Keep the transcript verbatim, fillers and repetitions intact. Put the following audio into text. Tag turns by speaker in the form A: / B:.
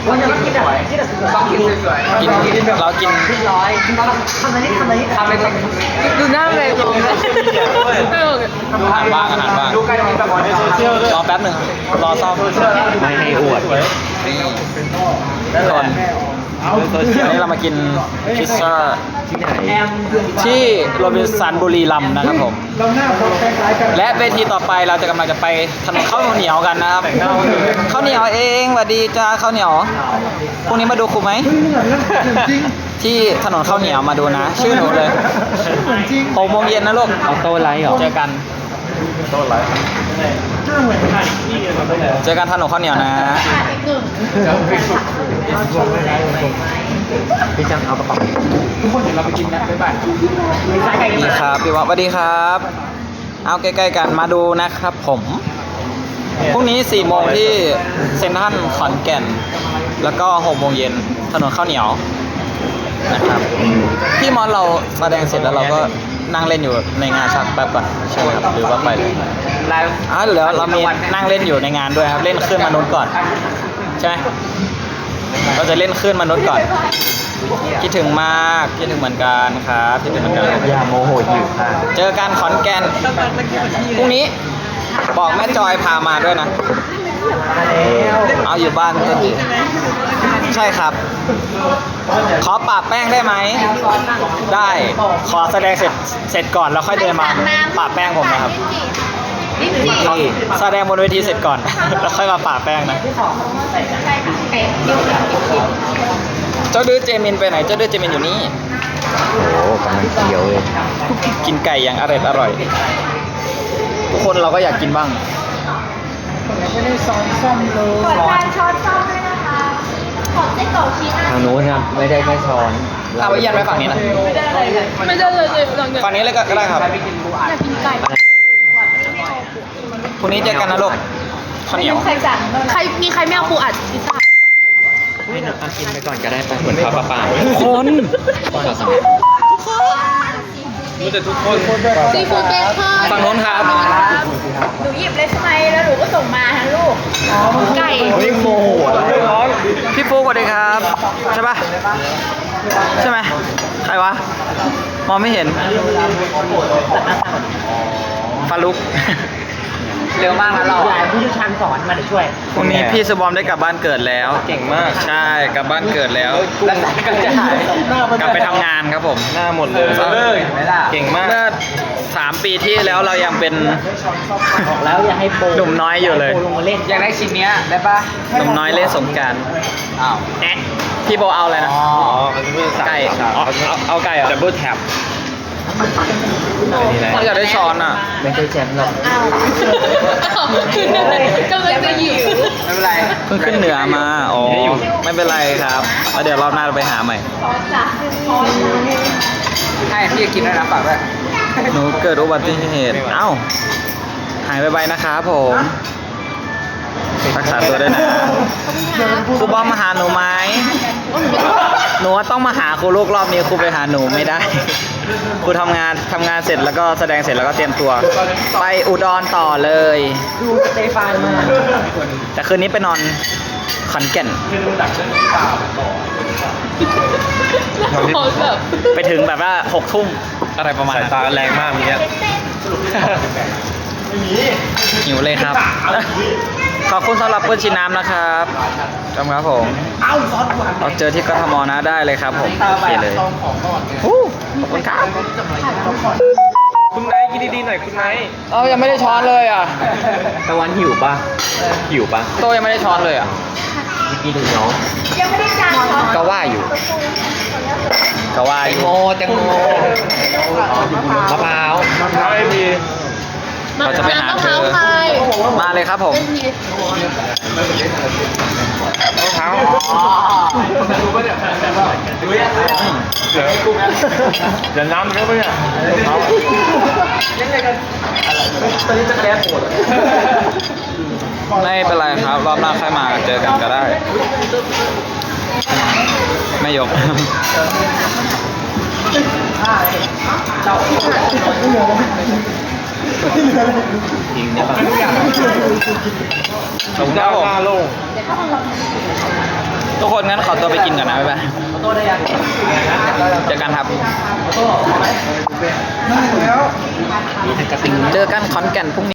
A: วันนี้เรากินแบบที่แบบต้องกินสวยๆกินเรากินที่ร้อยทำอะไรนี่ทำอะไรนี่ทำอะไรดูหน้าเลยอาหารบ้างอาหารบ้างรอแป๊บหนึ่งรอซ่อมไม่ให้อวดนี่ก่อนวันนี้เรามากินพิซซ่าที่ไหนที่โรบินสันบุรีรัมย์นะครับผมและเวทีต่อไปเราจะกำลังจะไปถนนข้าวเหนียวกันนะครับข้าวเหนียวเองสวัสดีจ้าข้าวเหนียวพรุ่งนี้มาดูครูไหมที่ถนนข้าวเหนียวมาดูนะชื่อหนูเลยหกโมงเย็นนะลูกเอาโต๊ะไลท์เหรอเจอกันโต๊ะไลท์เจอกันถนนข้าวเหนียวนะพี่จังเอากระเป๋าทุกคนเดี๋ยวเราไปกินนะบ๊ายบายนี่ครับพี่วะสวัสดีครับเอาใกล้ๆกันมาดูนะครับผมพรุ่งนี้สี่โมงที่เซ็นทรัลขอนแก่นแล้วก็หกโมงเย็นถนนข้าวเหนียวนะครับพี่มอสเราแสดงเสร็จแล้วเราก็นั่งเล่นอยู่ในงานชักแป๊บก่อนใช่ไหมครับหรือว่าไปเลยไลฟ์อ๋อเดี๋ยวเรามีนั่งเล่นอยู่ในงานด้วยครับเล่นขึ้นมนุษย์ก่อนใช่ไหมเราจะเล่นขึ้นมนุษย์ก่อนคิดถึงมากคิดถึงเหมือนกันครับคิดถึงเหมือนกันอย่าโมโหหิวค่ะเจอกันขอนแก่นพรุ่งนี้บอกแม่จอยพามาด้วยนะเอาอยู่บ้านก็ดีใช่ครับขอปะแป้งได้ไหมได้ขอแสดงเสร็จเสร็จก่อนแล้วค่อยเดินมาปะแป้งผมนะครับแสดงบนเวทีเสร็จก่อนแล้วค่อยมาปะแป้งนะเจ้าดื้อเจมินไปไหนเจ้าดื้อเจมินอยู่นี่โอ้กำลังเคี้ยวเลยกินไก่อย่างอร่อยอร่อยทุกคนเราก็อยากกินบ้างไม่ได้ซ้อนซ่อมเลยขอการช้อนซ่อมด้วยนะคะขอไส้กรอกชีสทางนู้นครับไม่ได้แค่ช้อนเอาไว้ยันไว้ฝั่งนี้นะไม่ได้เลยไม่ได้เลยฝั่งนี้เลยก็ได้ครับอยากกินไก่พรุ่งนี้เจอกันนะลูกข้าวเหนียวใครสั่งใครมีใครไม่เอาปูอัดพิซซ่าให้หนูกินไปก่อนก็ได้ไปเหมือนข้าวปลาป่าคนรู้แต่ทุกคนซีฟู้ดเบคอนฝั่งโน้นครับหนูหยิบเลยใช่ไหมแล้วหนูก็ส่งมาฮะลูกไก่พี่โมพี่ฟูสวัสดีครับใช่ปะใช่ไหมใครวะมองไม่เห็นฟาลุกเร็วมากนะเราผู้เชี่ยวชาญสอนมาเดี๋ยวช่วยพรุ่งนี้พี่สบอมได้กลับบ้านเกิดแล้วเก่งมากใช่กลับบ้านเกิดแล้วแล้วก็จะหายกลับไปทำงานครับผมหน้าหมดเลยเก่งมากเมื่อสามปีที่แล้วเรายังเป็นแล้วอยากให้โปหนุ่มน้อยอยู่เลยอยากได้ชิ้นนี้ได้ปะหนุ่มน้อยเล่นสงกรานต์อ้าวแอะพี่โบเอาอะไรนะไก่เอาไก่อ่ะดับเบิลแท็บเขาอยากได้ช้อนอ่ะไม่ใช่แชมป์หรอกก็เลยจะหิวไม่เป็นไรเพิ่งขึ้นเหนือมาอ๋อไม่เป็นไรครับแล้วเดี๋ยวรอบหน้าเราไปหาใหม่ให้พี่กินด้วยนะฝากด้วยหนูเกิดอุบัติเหตุเอ้าหายไปๆนะครับผมรักษาตัวด้วยนะครูบอมมาหาหนูไหมหนูต้องมาหาครูลูกรอบนี้ครูไปหาหนูไม่ได้ครูทำงานทำงานเสร็จแล้วก็แสดงเสร็จแล้วก็เตรียมตัวไปอุดรต่อเลยดูสเตฟานมาแต่คืนนี้ไปนอนขอนแก่นไปถึงแบบว่าหกทุ่มอะไรประมาณสายตาแรงมากมีเนี้ยหิวเลยครับขอบคุณสำหรับเพื่อนชิน้ำนะครับจำครับผมเราเจอที่กทมนะได้เลยครับผมโอเคเลยขอบคุณครับคุณไนท์กินดีๆหน่อยคุณไนท์เอ้ายังไม่ได้ช้อนเลยอ่ะตะวันหิวปะหิวปะโตยังไม่ได้ช้อนเลยอ่ะกินถึงน้องยังไม่ได้จานก็ว่าอยู่ก็ว่าอยู่โมแตงโมมะพร้าวมะพร้าวไอพีเราจะไปหาเธอมาเลยครับผมมะพร้าวเดี๋ยวน้ำเยอะไปเนี่ยตอนนี้จะแก้ปวดไม่เป็นไรครับรอบหน้าค่อยมาเจอกันก็ได้ไม่ยกจริงเนี่ยป่ะผมจะหน้าลงทุกคนงั้นขอตัวไปกินก่อนนะบ๊ายบาย
B: โต้ได้ยัง
A: เจอกันครับ
B: โต้ไหมนั่งแล้วมีแต่กระติง
A: เจอกันขอนแก่นพรุ่งนี้